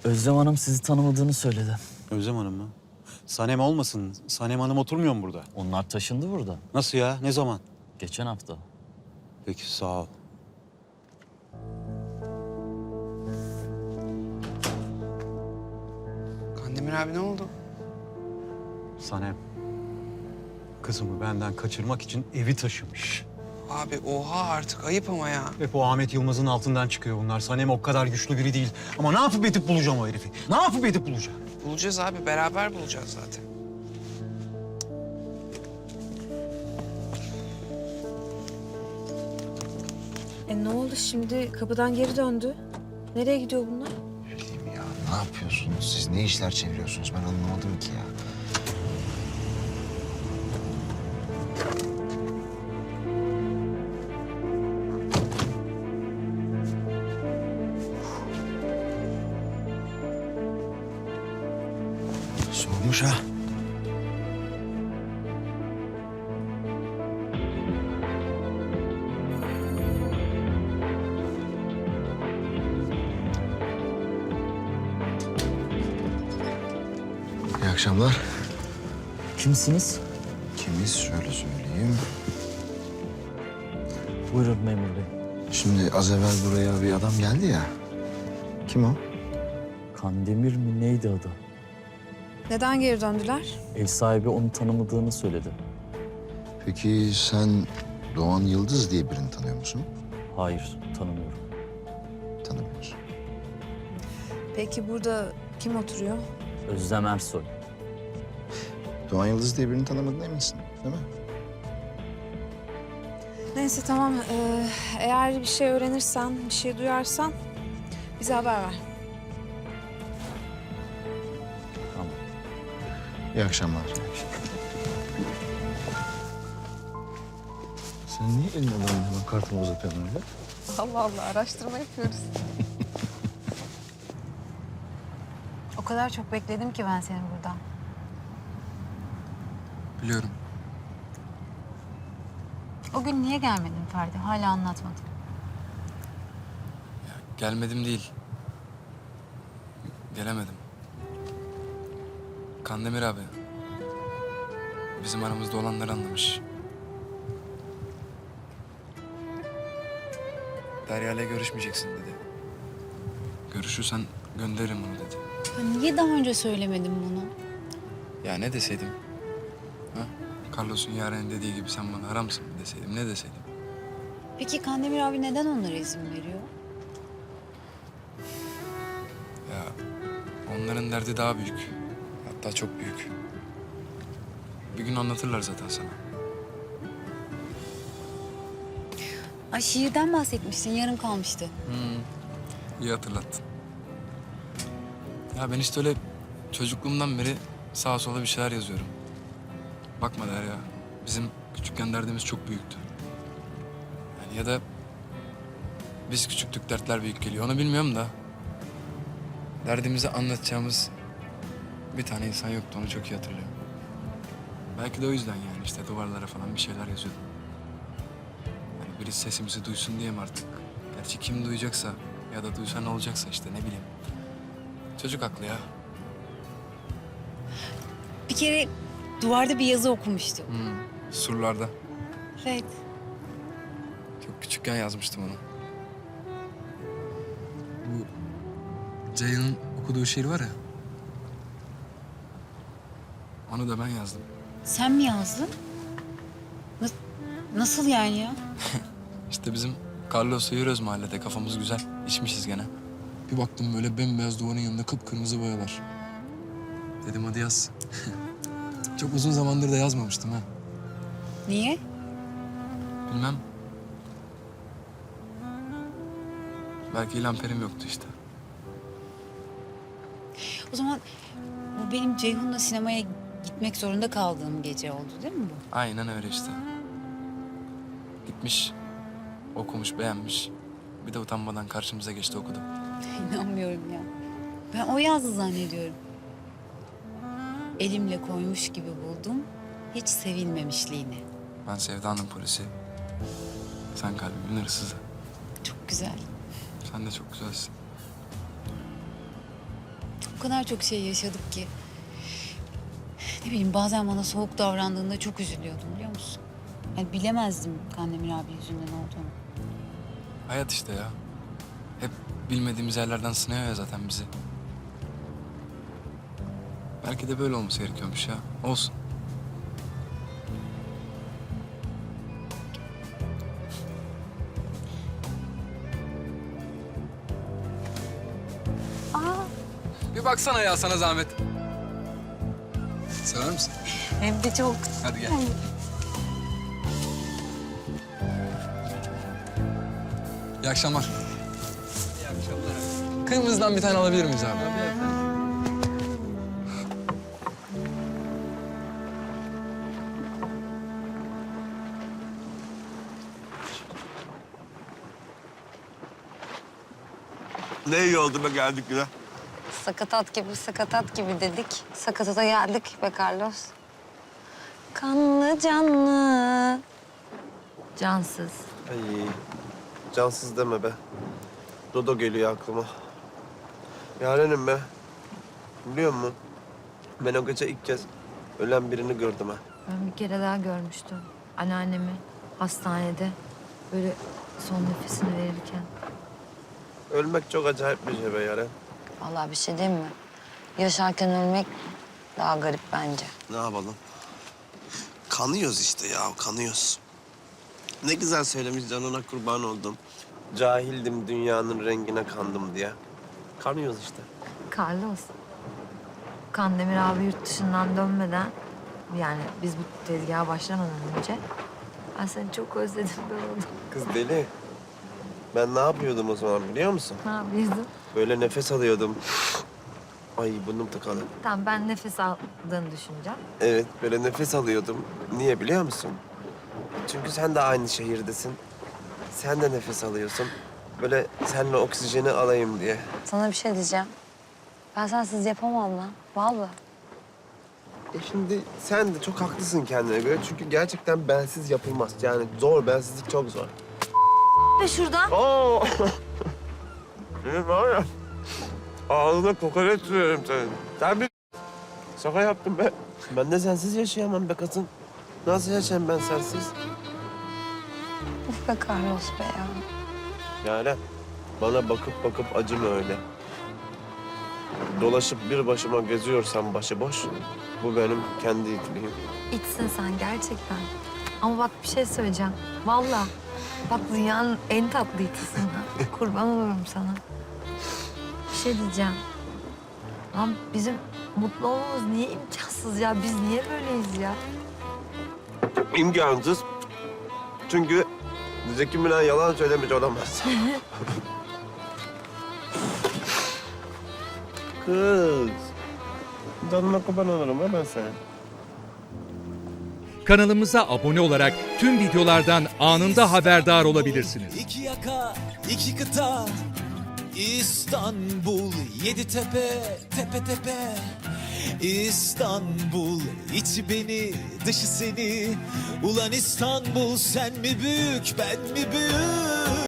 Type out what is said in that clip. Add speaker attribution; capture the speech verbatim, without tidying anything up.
Speaker 1: Özlem Hanım sizi tanımadığını söyledi.
Speaker 2: Özlem Hanım mı? Sanem olmasın. Sanem Hanım oturmuyor mu burada?
Speaker 1: Onlar taşındı burada.
Speaker 2: Nasıl ya? Ne zaman?
Speaker 1: Geçen hafta.
Speaker 2: Peki sağ ol.
Speaker 3: Kandemir abi ne oldu?
Speaker 2: Sanem. Kızımı benden kaçırmak için evi taşımış.
Speaker 3: Abi oha artık ayıp ama ya.
Speaker 2: Hep o Ahmet Yılmaz'ın altından çıkıyor bunlar. Sanem o kadar güçlü biri değil. Ama ne yapıp edip bulacağım o herifi? Ne yapıp edip bulacağım?
Speaker 3: Bulacağız abi beraber bulacağız zaten.
Speaker 4: E ne oldu şimdi? Kapıdan geri döndü. Nereye gidiyor bunlar?
Speaker 5: Ne bileyim ya, ne yapıyorsunuz? Siz ne işler çeviriyorsunuz? Ben anlamadım ki ya. Soğumuş ha. İyi akşamlar.
Speaker 1: Kimsiniz?
Speaker 5: Kimiz? Şöyle söyleyeyim.
Speaker 1: Buyurun memur bey.
Speaker 5: Şimdi az evvel buraya bir adam geldi ya. Kim o?
Speaker 1: Kandemir mi neydi adı?
Speaker 4: Neden geri döndüler?
Speaker 1: Ev sahibi onu tanımadığını söyledi.
Speaker 5: Peki sen Doğan Yıldız diye birini tanıyor musun?
Speaker 1: Hayır, tanımıyorum.
Speaker 5: Tanımıyorsun.
Speaker 4: Peki burada kim oturuyor?
Speaker 1: Özlem Ersoy.
Speaker 5: Doğan Yıldız diye birini tanımadığına eminsin, değil mi?
Speaker 4: Neyse tamam. Ee, eğer bir şey öğrenirsen, bir şey duyarsan bize haber ver.
Speaker 1: Tamam.
Speaker 5: İyi akşamlar. Sen niye elini adamın hemen kartımı uzatıyorsun öyle?
Speaker 4: Allah Allah araştırma yapıyoruz.
Speaker 6: O kadar çok bekledim ki ben seni burada.
Speaker 7: Biliyorum.
Speaker 6: O gün niye gelmedin Ferdi? Hala anlatmadın.
Speaker 7: Ya, gelmedim değil. Gelemedim. Kandemir abi. Bizim aramızda olanları anlamış. Derya'yla görüşmeyeceksin dedi. Görüşürsen gönderirim onu dedi.
Speaker 6: Ya niye daha önce söylemedin bunu?
Speaker 7: Ya ne deseydim? Ha? Carlos'un Yaren'in dediği gibi sen bana haramsın mı deseydim, ne deseydim?
Speaker 6: Peki Kandemir abi neden onlara izin veriyor?
Speaker 7: Ya onların derdi daha büyük. Hatta çok büyük. Bir gün anlatırlar zaten sana.
Speaker 6: Ay şiirden bahsetmiştin, yarım kalmıştı.
Speaker 7: Hmm. İyi hatırlattın. Ya ben işte öyle çocukluğumdan beri sağa sola bir şeyler yazıyorum. Bakma Derya, bizim küçükken derdimiz çok büyüktü. Yani ya da biz küçüktük, dertler büyük geliyor. Onu bilmiyorum da derdimizi anlatacağımız bir tane insan yoktu, onu çok iyi hatırlıyorum. Belki de o yüzden yani işte duvarlara falan bir şeyler yazıyordum. Yani biri sesimizi duysun diye mi artık? Gerçi kim duyacaksa ya da duysa ne olacaksa işte ne bileyim. Çocuk aklı ya.
Speaker 6: Bir kere duvarda bir yazı okumuştum.
Speaker 7: Hmm, surlarda.
Speaker 6: Evet.
Speaker 7: Çok küçükken yazmıştım onu. Bu Ceylan'ın okuduğu şiir var ya. Onu da ben yazdım.
Speaker 6: Sen mi yazdın? Nas- nasıl yani ya?
Speaker 7: İşte bizim Carlos'la yürüyoruz mahallede. Kafamız güzel. İçmişiz gene. Bir baktım böyle bembeyaz duvarın yanında kıpkırmızı boyalar. Dedim hadi yaz. Çok uzun zamandır da yazmamıştım ha.
Speaker 6: Niye?
Speaker 7: Bilmem. Belki ilan perim yoktu işte.
Speaker 6: O zaman bu benim Ceyhun'la sinemaya gitmek zorunda kaldığım gece oldu değil mi bu?
Speaker 7: Aynen öyle işte. Gitmiş, okumuş, beğenmiş. Bir de utanmadan karşımıza geçti okudu.
Speaker 6: İnanmıyorum ya. Ben o yazdı zannediyorum. Elimle koymuş gibi buldum. Hiç sevilmemişliğini.
Speaker 7: Ben Sevda'nın polisi. Sen kalbimin hırsızı.
Speaker 6: Çok güzel.
Speaker 7: Sen de çok güzelsin.
Speaker 6: kadar çok şey yaşadık ki. Ne bileyim bazen bana soğuk davrandığında çok üzülüyordum biliyor musun? Yani bilemezdim Kandemir abi yüzünden olduğunu.
Speaker 7: Hayat işte ya. Hep bilmediğimiz yerlerden sınıyor ya zaten bizi. Belki de böyle olması gerekiyormuş ya. Olsun. Bir baksana ya sana zahmet. Sever misin?
Speaker 6: Hem de çok.
Speaker 7: Hadi gel. İyi akşamlar. İyi akşamlar. Kırmızıdan bir tane alabilir miyiz abi?
Speaker 8: Ne iyi oldu be geldik güne.
Speaker 9: Sakatat gibi sakatat gibi dedik. Sakatata geldik be Carlos. Kanlı canlı. Cansız.
Speaker 8: Ay cansız deme be. Dodo geliyor aklıma. Yarenim be. Biliyor musun? Ben o gece ilk kez ölen birini gördüm ha.
Speaker 9: Ben bir kere daha görmüştüm. Anneannemi hastanede böyle son nefesini verirken.
Speaker 8: Ölmek çok acayip bir şey be Yaren.
Speaker 9: Vallahi bir şey diyeyim mi? Yaşarken ölmek daha garip bence.
Speaker 8: Ne yapalım? Kanıyoruz işte ya, kanıyoruz. Ne güzel söylemiş canına kurban oldum. Cahildim dünyanın rengine kandım diye. Kanıyoruz işte.
Speaker 10: Carlos, Kandemir abi yurt dışından dönmeden, yani biz bu tezgaha başlamadan önce ben seni çok özledim be oğlum.
Speaker 8: Kız deli. Ben ne yapıyordum o zaman biliyor musun?
Speaker 10: Ne yapıyordun?
Speaker 8: Böyle nefes alıyordum. Ay burnum tıkalı.
Speaker 10: Tamam, ben nefes aldığını düşüneceğim.
Speaker 8: Evet, böyle nefes alıyordum. Niye biliyor musun? Çünkü sen de aynı şehirdesin. Sen de nefes alıyorsun. Böyle seninle oksijeni alayım diye.
Speaker 9: Sana bir şey diyeceğim. Ben sensiz yapamam lan. Vallahi.
Speaker 8: E şimdi sen de çok haklısın kendine göre. Çünkü gerçekten bensiz yapılmaz. Yani zor, bensizlik çok zor.
Speaker 10: Ve şuradan.
Speaker 8: Oo! Benim var ya, ağzına kokoreç sürüyorum senin. Sen bir şaka yaptın be. Ben de sensiz yaşayamam be kızım. Nasıl yaşayayım ben sensiz?
Speaker 9: Uf be Carlos be ya.
Speaker 8: Yani bana bakıp bakıp acıma öyle. Dolaşıp bir başıma geziyorsam başıboş, bu benim kendi itliğim.
Speaker 10: İçsin sen gerçekten. Ama bak bir şey söyleyeceğim. Vallahi. Bak dünyanın en tatlı itisin ha. Kurban olurum sana. Bir şey diyeceğim. Lan bizim mutlu olmamız niye imkansız ya? Biz niye böyleyiz ya?
Speaker 8: İmkansız. Çünkü Zeki Müren yalan söylemiş olamaz. Kız. Canına kurban olurum ha ben senin.
Speaker 11: Kanalımıza abone olarak tüm videolardan anında haberdar olabilirsiniz.
Speaker 12: İki yaka, iki kıta, İstanbul, yedi tepe, tepe tepe. İstanbul, içi beni, dışı seni. Ulan İstanbul, sen mi büyük, ben mi büyük?